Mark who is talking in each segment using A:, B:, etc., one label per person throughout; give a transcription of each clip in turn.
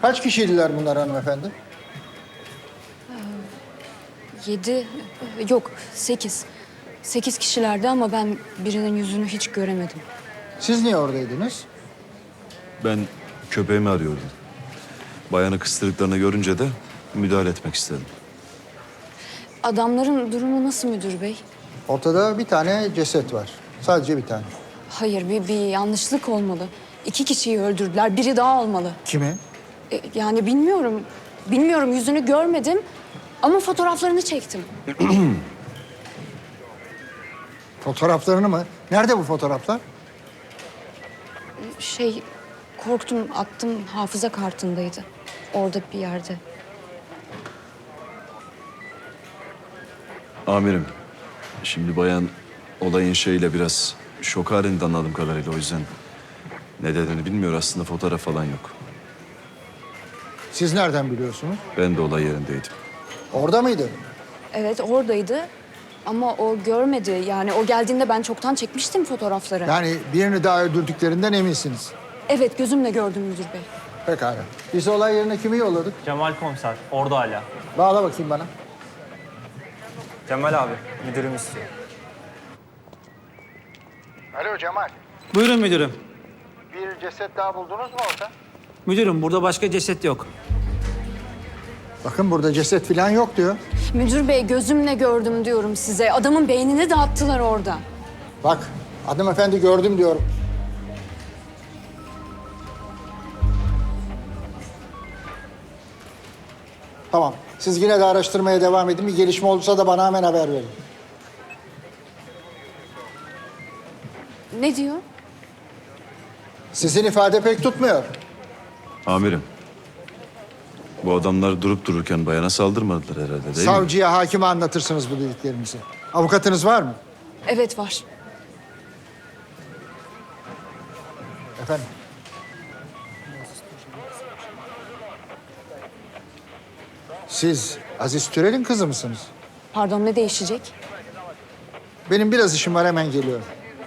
A: Kaç kişiydiler bunlar hanımefendi?
B: 7, yok 8. 8 kişilerdi ama ben birinin yüzünü hiç göremedim.
A: Siz niye oradaydınız?
C: Ben köpeğimi arıyordum. Bayanı kıstırdıklarını görünce de müdahale etmek istedim.
B: Adamların durumu nasıl müdür bey?
A: Ortada bir tane ceset var. Sadece bir tane.
B: Hayır, bir yanlışlık olmalı. 2 kişiyi öldürdüler, biri daha olmalı.
A: Kimi?
B: Yani bilmiyorum. Bilmiyorum, yüzünü görmedim ama fotoğraflarını çektim.
A: Fotoğraflarını mı? Nerede bu fotoğraflar?
B: Korktum, attım, hafıza kartındaydı. Orada bir yerde.
C: Amirim, şimdi bayan olayın şeyiyle biraz şok halinde anladığım kadarıyla. O yüzden ne dediğini bilmiyor. Aslında fotoğraf falan yok.
A: Siz nereden biliyorsunuz?
C: Ben de olay yerindeydim.
A: Orada mıydı?
B: Evet, oradaydı ama o görmedi. Yani o geldiğinde ben çoktan çekmiştim fotoğrafları.
A: Yani birini daha öldürdüklerinden eminsiniz.
B: Evet, gözümle gördüm müdür bey.
A: Pekala. Biz olay yerine kimi yolladık?
D: Cemal komiser, orada hala.
A: Bağla bakayım bana.
D: Cemal abi, müdürüm istiyor.
A: Alo Cemal.
E: Buyurun müdürüm.
A: Bir ceset daha buldunuz mu orada?
E: Müdürüm burada başka ceset yok.
A: Bakın burada ceset falan yok diyor.
B: Müdür bey, gözümle gördüm diyorum size. Adamın beynini dağıttılar orada.
A: Bak hanımefendi gördüm diyorum. Tamam. Siz yine de araştırmaya devam edin. Bir gelişme olursa da bana hemen haber verin.
B: Ne diyor?
A: Sizin ifade pek tutmuyor.
C: Amirim, bu adamlar durup dururken bayana saldırmadılar herhalde değil mi?
A: Savcıya, hakime anlatırsınız bu dediklerimizi. Avukatınız var mı?
B: Evet, var.
A: Efendim? Siz Aziz Türel'in kızı mısınız?
B: Pardon, ne değişecek?
A: Benim biraz işim var, hemen geliyorum.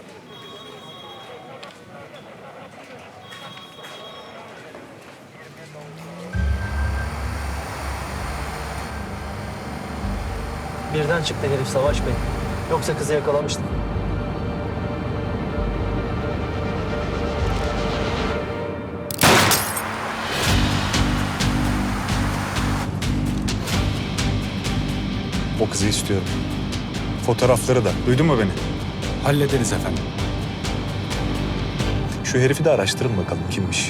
D: Birden çıktı herif Savaş Bey. Yoksa kızı yakalamıştım.
F: O kızı istiyorum. Fotoğrafları da. Duydun mu beni?
G: Hallederiz efendim.
F: Şu herifi de araştırın bakalım kimmiş.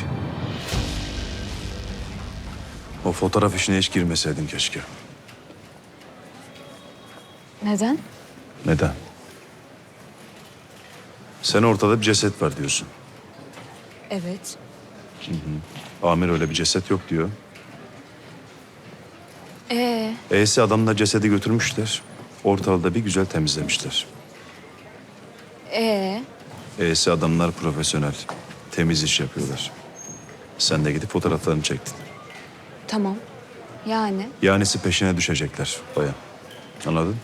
C: O fotoğraf işine hiç girmeseydin keşke.
B: Neden?
C: Neden? Sen ortada bir ceset var diyorsun.
B: Evet.
C: Amir öyle bir ceset yok diyor.
B: Ee,
C: E'si adamlar cesedi götürmüşler. Ortalığı da bir güzel temizlemişler. E'si adamlar profesyonel. Temiz iş yapıyorlar. Sen de gidip fotoğraflarını çektin.
B: tamam. Yani?
C: Yanisi peşine düşecekler bayan. Anladın?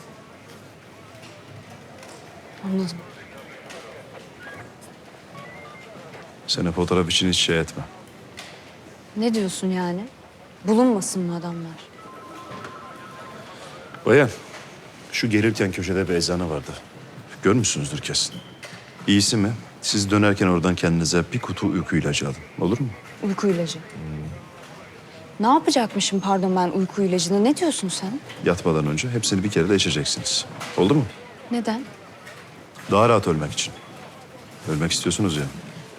B: Anladım.
C: Seni fotoğraf için hiç şey etme.
B: Ne diyorsun yani? Bulunmasın mı adamlar?
C: Bayan, şu gelirken köşede bir eczane vardı. Görmüşsünüzdür kesin. İyisi mi? Siz dönerken oradan kendinize bir kutu uyku ilacı alın. Olur mu?
B: Uyku ilacı. Ne yapacakmışım pardon ben uyku ilacını? Ne diyorsun sen?
C: Yatmadan önce hepsini bir kere de içeceksiniz. Oldu mu?
B: Neden?
C: Daha rahat ölmek için. Ölmek istiyorsunuz ya.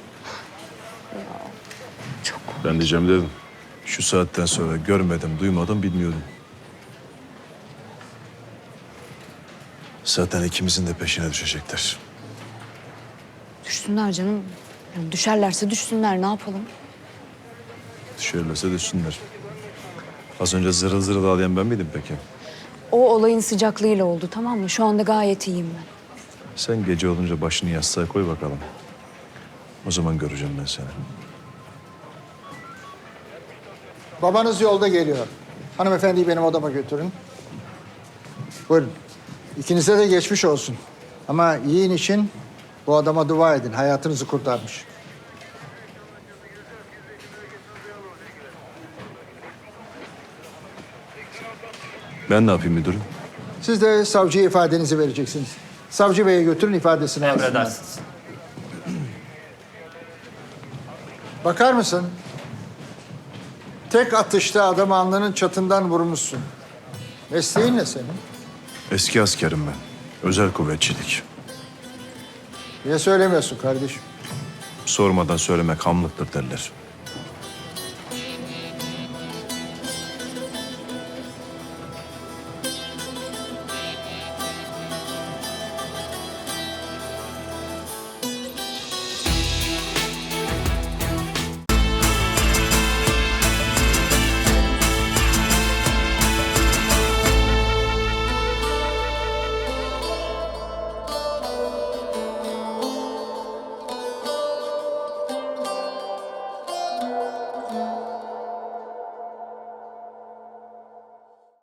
B: Çok.
C: Ben diyeceğim dedim. Şu saatten sonra görmedim, duymadım, bilmiyordum. Zaten ikimizin de peşine düşecekler.
B: Düşsünler canım. Yani düşerlerse düşsünler, ne yapalım?
C: Düşerlerse düşsünler. Az önce zırıl zırıl ağlayan ben miydim peki?
B: O olayın sıcaklığıyla oldu, tamam mı? Şu anda gayet iyiyim ben.
C: Sen gece olunca başını yastığa koy bakalım. O zaman göreceğim ben seni.
A: Babanız yolda geliyor. Hanımefendiyi benim odama götürün. Buyurun. İkinize de geçmiş olsun. Ama yiyin için bu adama dua edin. Hayatınızı kurtarmış.
C: Ben ne yapayım müdürüm?
A: Siz de savcıya ifadenizi vereceksiniz. Savcı beye götürün ifadesini alsınlar.
E: Emredersiniz.
A: Bakar mısın? Tek atışta adamı alnının çatından vurmuşsun. Mesleğin ne senin?
C: Eski askerim ben. Özel kuvvetçilik.
A: Niye söylemiyorsun kardeşim?
C: Sormadan söylemek hamlıktır derler.